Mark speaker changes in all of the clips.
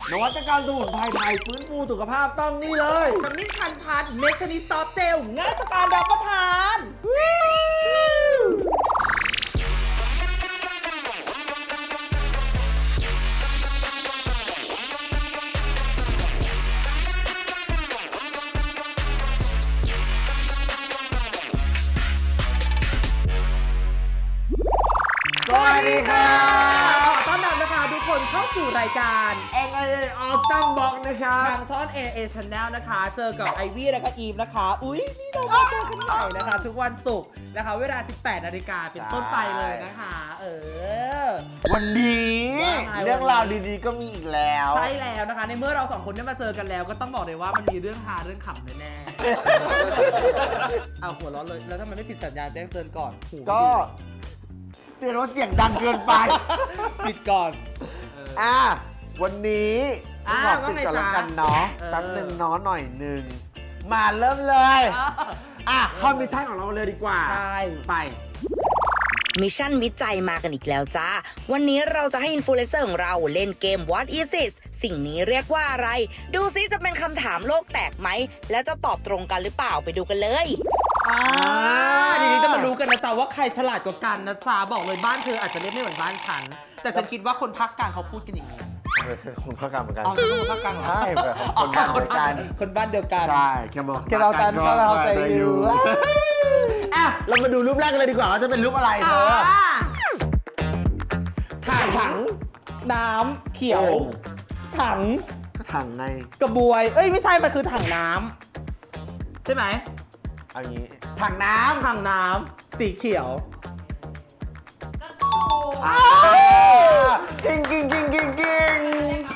Speaker 1: นวัตกรรมสมุนไพรไทยฟื้นฟูสุขภาพต้องนี่เลย
Speaker 2: ขมิ้นชันพันเมชนิซอฟเจลง่ายต่อการรับประทาน
Speaker 1: สวัสดีค่ะ
Speaker 2: ต้อนรับนะคะทุกคนเข้าสู่รายการ
Speaker 1: NIA Autumn Box นะครับ
Speaker 2: ทางช่อง AA Channel นะคะ เจอกับไอวี่และก็อีมนะคะ อุ๊ย นี่เรามาเจอกันใหม่นะคะ ทุกวันศุกร์นะคะ เวลา 18 นาฬิกาเป็นต้นไปเลยนะคะ
Speaker 1: วันนี้
Speaker 2: ว่าไง
Speaker 1: เรื่องราวดีๆก็มีอีกแล้ว
Speaker 2: ใช่แล้วนะคะ ในเมื่อเราสองคนได้มาเจอกันแล้ว ก็ต้องบอกเลยว่ามันมีเรื่องฮาเรื่องขำแน่ๆ เอาหัวเร้อนเลย แล้วทำไมไม่ปิดสัญญาณแจ้งเตือนก่อนหู
Speaker 1: ก็เตือนว่าเสียงดังเกินไป
Speaker 2: ปิดก่อน
Speaker 1: วันนี้ ขอปิดก่อนแล้วกันเนาะแป๊บหนึ่งเนาะหน่อยหนึ่งมาเริ่มเลยเข้ามิชชั่นของเราเลยดีกว่า
Speaker 2: ใช่
Speaker 1: ไป
Speaker 3: มิชชั่นวิจัยมากันอีกแล้วจ้า วันนี้เราจะให้อินฟลูเอนเซอร์ของเราเล่นเกม What is this สิ่งนี้เรียกว่าอะไร ดูซิจะเป็นคำถามโลกแตกไหม แล้วจะตอบตรงกันหรือเปล่าไปดูกันเลย
Speaker 2: ทีนี้จะมารู้กันนะจ๊ะว่าใครฉลาดกว่ากันนะจ๊ะบอกเลยบ้านเธออาจจะเล่นไม่เหมือนบ้านฉัน แต่ฉันคิดว่าคนภาคกลางเขาพูดกันอย่างนี้
Speaker 1: คนภาคกลางเหมือนกัน
Speaker 2: อ๋อคือคนภาคกลางเหรอ
Speaker 1: ใช่แบบคนบ้านเดียวกัน
Speaker 2: คนบ้านเดียวกัน
Speaker 1: ใช่แค่บอก
Speaker 2: แค่เรากันก็เราใจอยู่
Speaker 1: เรามาดูรูปแรกกันเลยดีกว่าว่าจะเป็นรูปอะไรเธอถัง
Speaker 2: น้ำเขียว
Speaker 1: โอ่ง
Speaker 2: ถัง
Speaker 1: ก็ถังไง
Speaker 2: กระบวย เอ้ยไม่ใช่ มันคือถังน้ำใช่ไหม
Speaker 1: เอางี้ถังน้
Speaker 2: ถังน้ำสีเขียว
Speaker 1: ำกิ้งกิ้งกิ้งกิ้งกิ้ง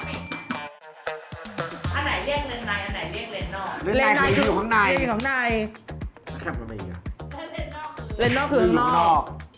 Speaker 4: อันไหนเรียกเลนในอันไหนเรียกเลนนอก
Speaker 1: เล่นในคืออยู่ข้างใน
Speaker 2: เล่นอยู่ข้างใน
Speaker 1: แคบมันไปอีกอะ
Speaker 4: ถ้าเลนนอกคือ
Speaker 2: เลนนอกคือข้างนอก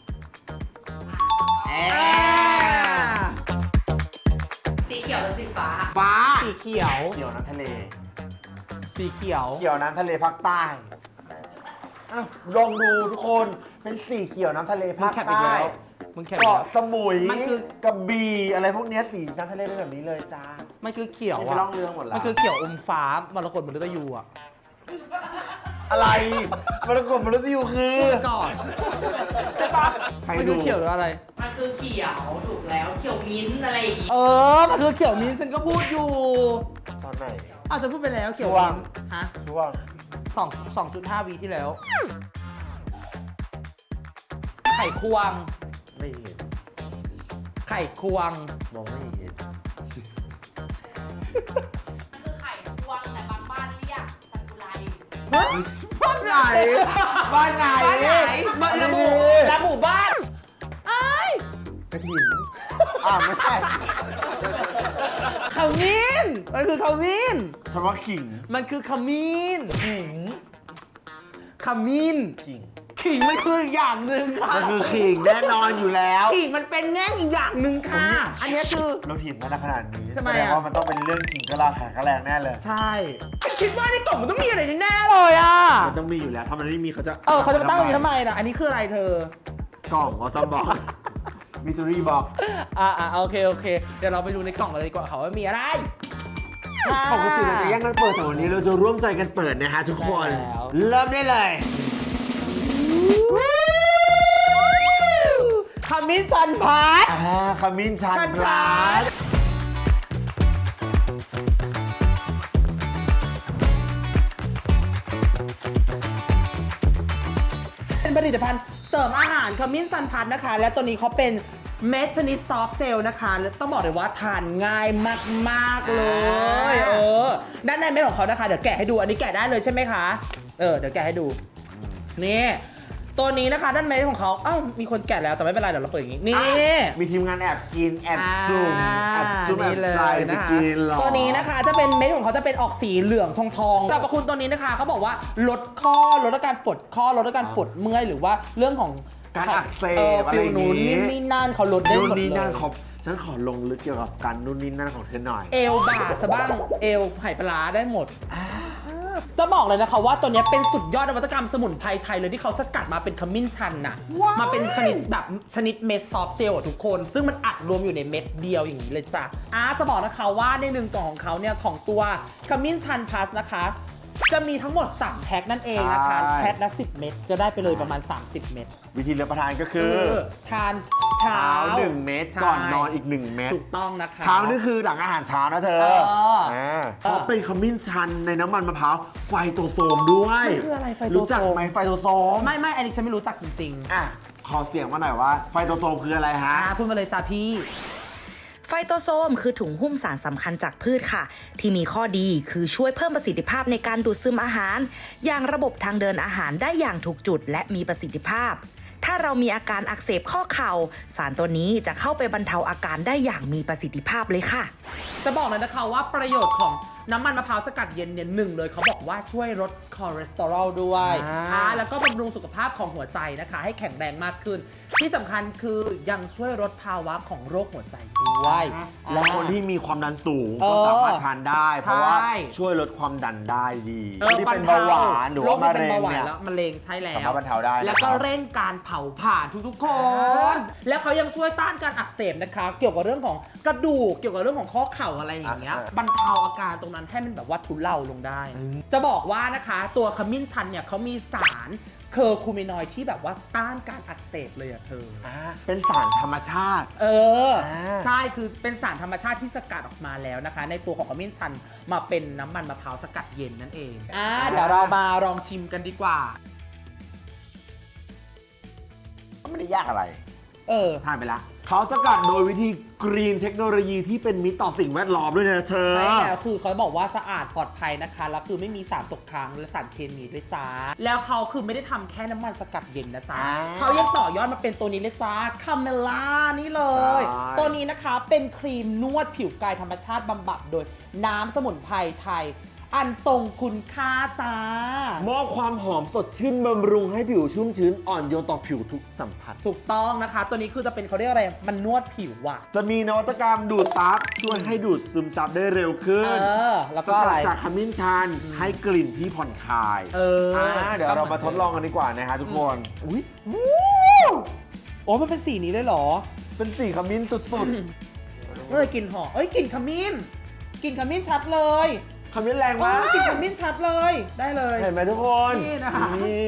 Speaker 4: สีเขียวหรือสีฟ้า
Speaker 1: ฟ้า
Speaker 2: สีเขียว
Speaker 1: เขียวน้ำทะเล
Speaker 2: สีเขียว
Speaker 1: เขียวน้ำทะเลภาคใต้ลองดูทุกคนเป็นสีเขียวน้ำทะเล
Speaker 2: มึง
Speaker 1: ภาค
Speaker 2: แคปอีก
Speaker 1: ใต้
Speaker 2: แล้วมึงแคปอีก
Speaker 1: เกาะ
Speaker 2: แล้ว
Speaker 1: สมุย
Speaker 2: มันคือ
Speaker 1: กระบี่อะไรพวกเนี้ยสีน้ำทะเลเป็นแบบนี้เลยจ้า
Speaker 2: มันคือเขียว
Speaker 1: นี่ไป
Speaker 2: อะ
Speaker 1: ล่องเรือหมดแล้ว
Speaker 2: มันคือเขียวอมฟ้ามรกตมฤตยูอะ
Speaker 1: อะไรมรกตมฤตยูคือ
Speaker 2: พูดก่อน ใช่ปะ
Speaker 1: ใคร
Speaker 2: มัน
Speaker 1: ดู
Speaker 2: คือเขียวหรืออะไร
Speaker 4: มันคือเขียวถูกแล้วเขียวมิ้นท์อะไรอย่างงี้
Speaker 2: มันคือเขียวมิ้นท์ฉันก็พูดอยู่
Speaker 1: ตอนไหน
Speaker 2: อ้าวจะพูดไปแล้วเขียว
Speaker 1: ช่วง
Speaker 2: มิ้นท์ฮะ
Speaker 1: ช่วง
Speaker 2: 2.5 วีที่แล้ว ไข่ควง
Speaker 1: ไม่เห็น
Speaker 2: ไข่ควง
Speaker 1: มองไม่เห็น
Speaker 4: มันคือไข่ควงแต่บางบ้านเรียกตะกุไร
Speaker 1: บ้านไหนบ้านไหน
Speaker 2: บ้านไหนบ้านระบุบ้าน
Speaker 1: กระถิ่นไม่ใช่
Speaker 2: ขมิ้นมันคือขมิ้น
Speaker 1: เฉพาะขิง
Speaker 2: มันคือขมิ้น
Speaker 1: ขิง
Speaker 2: ขมิ้น
Speaker 1: ขิง
Speaker 2: ขิงมันคืออีกอย่างหนึ่งค่ะ
Speaker 1: ก็คือขิงแน่นอนอยู่แล้ว
Speaker 2: ขิงมันเป็นแง่งอีกอย่างหนึ่งค่ะ อันเนี้ยคือ
Speaker 1: เราถิ่นมาได้ขนาดนี้
Speaker 2: ทำไม
Speaker 1: แสดง
Speaker 2: อะ
Speaker 1: ว่ามันต้องเป็นเรื่องขิงกะลาขากระแรงแน่เลย
Speaker 2: ใช่คิดว่าในกล่องมันต้องมีอะไรแน่ๆเลยอ่ะ
Speaker 1: มันต้องมีอยู่แล้วถ้ามันไม่มีเขาจะ
Speaker 2: เขาจะมาตั้งตรงนี้ทำไมล่ะ อันนี้คืออะไรเธอ
Speaker 1: กล่องออซัมบอกมิตูรี่บอก
Speaker 2: โอเค เดี๋ยวเราไปดูในกล่องกันเลยดีกว่าค่ะว่ามีอะไร
Speaker 1: ปกติเราจะแย่งกันเปิดแต่วันนี้เราจะร่วมใจกันเปิดนะฮะทุกคน
Speaker 2: แล้ว
Speaker 1: เริ่มได้เลย
Speaker 2: ขมิ้นชันพัด
Speaker 1: ขมิ้นชัน
Speaker 2: ชัน
Speaker 1: พ
Speaker 2: พลั
Speaker 1: ลั
Speaker 2: ส
Speaker 1: ส
Speaker 2: เป็นผลิตภัณฑ์เสริมอาหารขมิ้นชันพัดนะคะ และตัวนี้เขาเป็นเม็ดชนิดซอฟต์เจลนะคะแล้วต้องบอกเลยว่าทานง่ายมากๆเลยด้านในเม็ดของเขานะคะเดี๋ยวแกะให้ดูอันนี้แกะได้เลยใช่ไหมคะเดี๋ยวแกะให้ดูนี่ตัวนี้นะคะด้านในของเขามีคนแกะแล้วแต่ไม่เป็นไรเดี๋ยวเราเปิดอย่างนี้นี่
Speaker 1: มีทีมงานแอบกินแอบจุ่มแอบจุ่มแอบ
Speaker 2: นี่เลย
Speaker 1: ใจจะ
Speaker 2: นะคะ
Speaker 1: กินหรอ
Speaker 2: ตัวนี้นะคะจะเป็นเม็ดของเขาจะเป็นออกสีเหลืองทองสรรพคุณตัวนี้นะคะเขาบอกว่าลดข้อลดอาการปวดข้อลดอาการปวดเมื่อยหรือว่าเรื่องของ
Speaker 1: การอักเสบอะไร
Speaker 2: ฟิล
Speaker 1: อย่าง
Speaker 2: นู้น
Speaker 1: นี้
Speaker 2: นี่นั่นเขาลดได้
Speaker 1: นู่
Speaker 2: หม
Speaker 1: น
Speaker 2: ด
Speaker 1: นี่
Speaker 2: เล
Speaker 1: นั่น
Speaker 2: ย
Speaker 1: ฉันขอลงลึกเกี่ยวกับการนู่นนี่นั่นของเธอหน่อย
Speaker 2: เอวบ่าสะบ้างเอวไห่ปลาร้าได้หมดจะบอกเลยนะคะว่าตัวเนี้ยเป็นสุดยอดนวัตกรรมสมุนไพรไทยเลยที่เขาสกัดมาเป็นขมิ้นชันน่ะมาเป็นชนิดแบบชนิดเม็ดซอฟต์เจลอะทุกคนซึ่งมันอัดรวมอยู่ในเม็ดเดียวอย่างนี้เลยจ้ะจะบอกนะคะว่าใน1กล่องของเขาเนี่ยของตัวขมิ้นชันพลัสนะคะจะมีทั้งหมด3แพ็คนั่นเองนะคะแพ็คละ10 เม็ดจะได้ไปเลยประมาณ30 เม็ด
Speaker 1: วิธีรับประทานก็คือ
Speaker 2: ทานเช้า
Speaker 1: 1 เม็ดก่อนนอนอีก 1 เม็ด
Speaker 2: ถูกต้องนะคะ
Speaker 1: เช้านี่คือหลังอาหารเช้านะเธอเพราะเป็นขมิ้นชันในน้ำมันมะพร้าวไฟโตโซมด้วย
Speaker 2: มันคืออะไรไฟโตโซม
Speaker 1: รู้จักไหมไฟโตโซม
Speaker 2: ไม่อันนี้ฉันไม่รู้จักจริง
Speaker 1: อ่ะขอเสียงมาหน่อยว่าไฟโตโซมคืออะไรฮะ
Speaker 2: พูดมาเลยจ้าพี่
Speaker 3: ไฟโตโซมคือถุงหุ้มสารสำคัญจากพืชค่ะ ที่มีข้อดีคือช่วยเพิ่มประสิทธิภาพในการดูดซึมอาหารอย่างระบบทางเดินอาหารได้อย่างถูกจุดและมีประสิทธิภาพ ถ้าเรามีอาการอักเสบข้อเข่าสารตัวนี้จะเข้าไปบรรเทาอาการได้อย่างมีประสิทธิภาพเลยค่ะ
Speaker 2: จะบอกเลยนะคะว่าประโยชน์ของน้ำมันมะพร้าวสกัดเย็นเนี่ยหนึ่งเลยเขาบอกว่าช่วยลดคอเลสเตอรอลด้วยแล้วก็บำรุงสุขภาพของหัวใจนะคะให้แข็งแรงมากขึ้น ที่สำคัญคือยังช่วยลดภาวะของโรคหัวใจด้วย
Speaker 1: และคนที่มีความดันสูงก็สามารถทานได้ เพราะว่าช่วยลดความดันได้ดีคนที่เป็นเบาหวานหรือว่ามะเร็งเนี่ย
Speaker 2: มะเร็งใช่แล้ว
Speaker 1: สามารถบรรเทาได้นะครับ
Speaker 2: แล้วก็เร่งการเผาผลาญทุกๆคน แล้วเขายังช่วยต้านการอักเสบนะคะ เกี่ยวกับเรื่องของกระดูกเกี่ยวกับเรื่องของข้อเข่าอะไรอย่างเงี้ยบรรเทาอาการตรงนั้นให้มันแบบว่าทุเลาลงได้ จะบอกว่านะคะตัวขมิ้นชันเนี่ยเขามีสารเคอร์คูมินอยด์ที่แบบว่าต้านการอักเสบเลยอะเธอ
Speaker 1: เป็นสารธรรมชาติ
Speaker 2: ใช่คือเป็นสารธรรมชาติที่สกัดออกมาแล้วนะคะ ในตัวของขมิ้นชันมาเป็นน้ำมันมะพร้าวสกัดเย็นนั่นเองเดี๋ยวเรามาลองชิมกันดีกว่า
Speaker 1: ไม่ได้ยากอะไร ทานไปละ เขาสกัดโดยวิธีกรีนเทคโนโลยีที่เป็นมิตรต่อสิ่งแวดล้อมด้วยนะเธอ
Speaker 2: ใช่แล้วคือเขาบอกว่าสะอาดปลอดภัยนะคะแล้วคือไม่มีสารตกค้างและสารเคมีด้วยจ้าแล้วเขาคือไม่ได้ทำแค่น้ำมันสกัดเย็นนะจ๊ะเขายังต่อยอดมาเป็นตัวนี้เลยจ้าคาเมล่านี่เลย ตัวนี้นะคะเป็นครีมนวดผิวกายธรรมชาติบำบัดโดยน้ำสมุนไพรไทยอันทรงคุณค่าจ้าม
Speaker 1: อบความหอมสดชื่นบำรุงให้ผิวชุ่มชื้นอ่อนโยนต่อผิวทุกสัมผัส
Speaker 2: ถูกต้องนะคะ ตัวนี้คือจะเป็นเขาเรียกอะไรมันนวดผิวว่ะ
Speaker 1: จะมีนวัตกรรมดูดซับช่วยให้ดูดซึมซับได้เร็วขึ้น
Speaker 2: แล้วก็อะไร
Speaker 1: จากขมิ้นชันให้กลิ่นที่ผ่อนคลายเดี๋ยวเรามาทดลองกันดีกว่านะฮะทุกคนอุ้ย
Speaker 2: โอ้มันเป็นสีนี้เลยเหรอ
Speaker 1: เป็นสีขมิ้นสุด
Speaker 2: เมื่อกลิ่นหอมกลิ่นขมิ้นกลิ่นขมิ้นชัดเลย
Speaker 1: ๆขมิ้นแรงมาก
Speaker 2: กลิ่นขมิ้นชัดเลยได้เลย
Speaker 1: เห็นไหมทุกคน
Speaker 2: นี่นะคะ
Speaker 1: นี่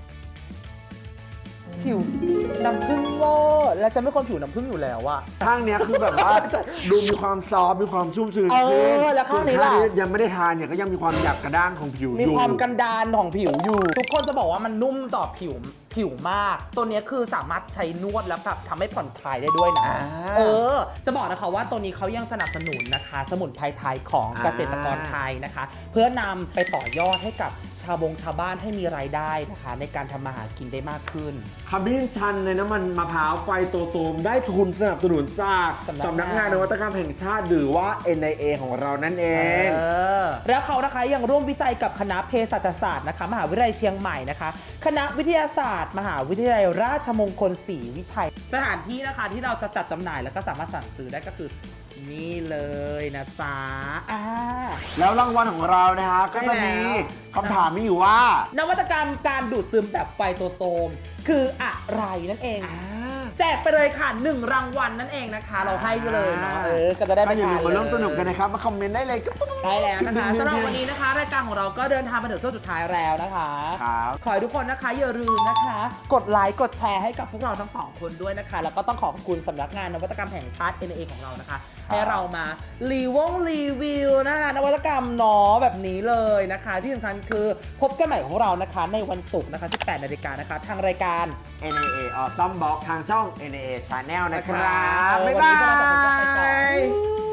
Speaker 2: ผิวน้ำผึ้งเวอร์และฉันเป็นคนผิวน้ำผึ้งอยู่แล้วอะ
Speaker 1: ข้างเนี้ยคือแบบว่า ดูมีความซอฟต์มีความชุ่มชื้น
Speaker 2: แล้วข้างนี้ล่ะ
Speaker 1: ส่วยังไม่ได้ทานเนี่ยก็ยังมีความหยาบกระด้างของผิว
Speaker 2: มี
Speaker 1: อยู่
Speaker 2: ความกันดานของผิวอยู่ ทุกคนจะบอกว่ามันนุ่มต่อผิวมาก ตัวเนี้ยคือสามารถใช้นวดแล้วแบบทำให้ผ่อนคลายได้ด้วยนะจะบอกนะคะว่าตัวนี้เขายังสนับสนุนนะคะ สมุนไพรไทยของเกษตรกรไทยนะคะ เพื่อนำไปต่อยอดให้กับชาวบ้านให้มีรายได้นะคะ ในการทำมาหากินได้มากขึ้น
Speaker 1: ขมิ้นชันในน้ำมันมะพร้าวไฟโตโซมได้ทุนสนับสนุนจากสำนักงานนวัตกรรมแห่งชาติหรือว่า NIA ของเรานั่นเอง
Speaker 2: แล้วเขานะคะยังร่วมวิจัยกับคณะเภสัชศาสตร์นะคะมหาวิทยาลัยเชียงใหม่นะคะคณะวิทยาศาสตร์ มหาวิทยาลัยราชมงคลศรีวิชัย สถานที่นะคะที่เราจะจัดจำหน่ายแล้วก็สามารถสั่งซื้อได้ก็คือนี่เลยนะจ๊ะ
Speaker 1: แล้วรางวัลของเรานะฮะก็จะมีคำถามมีอยู่ว่าน
Speaker 2: วัตกรรมการดูดซึมแบบไฟโตโซมคืออะไรนั่นเองแจกไปเลยค่ะ1รางวัลนั่นเองนะคะ เราให้ไปเลยเนาะก็จะได้ไป
Speaker 1: อย่าลืม
Speaker 2: ทาน
Speaker 1: มาร่วมสนุกกันนะครับมาคอมเมนต์ได้เลย
Speaker 2: ได้แล้วนะคะสำหรับวันนี้นะคะ รายการของเราก็เดินทางมาถึงช่วงสุดท้ายแล้วนะคะ
Speaker 1: ครับ
Speaker 2: ขอให้ทุกคนนะคะอย่าลืมนะคะ กดไลค์กดแชร์ให้กับพวกเราทั้งสองคนด้วยนะคะ แล้วก็ต้องขอบคุณสำนักงานนวัตกรรมแห่งชาติ NIA ของเรานะคะ ให้เรามารีวิวนะคะนวัตกรรมเนาะแบบนี้เลยนะคะ ที่สำคัญคือพบกันใหม่ของเรานะคะในวันศุกร์นะคะ 18 นาฬิกานะคะ ทางรายการ
Speaker 1: NIA Awesome Box ทางช่อง NIA Channel นะครับ
Speaker 2: วัน
Speaker 1: บ๊าย
Speaker 2: นี้
Speaker 1: บา
Speaker 2: พวกเราสองคนต้องไปก่อน
Speaker 1: ย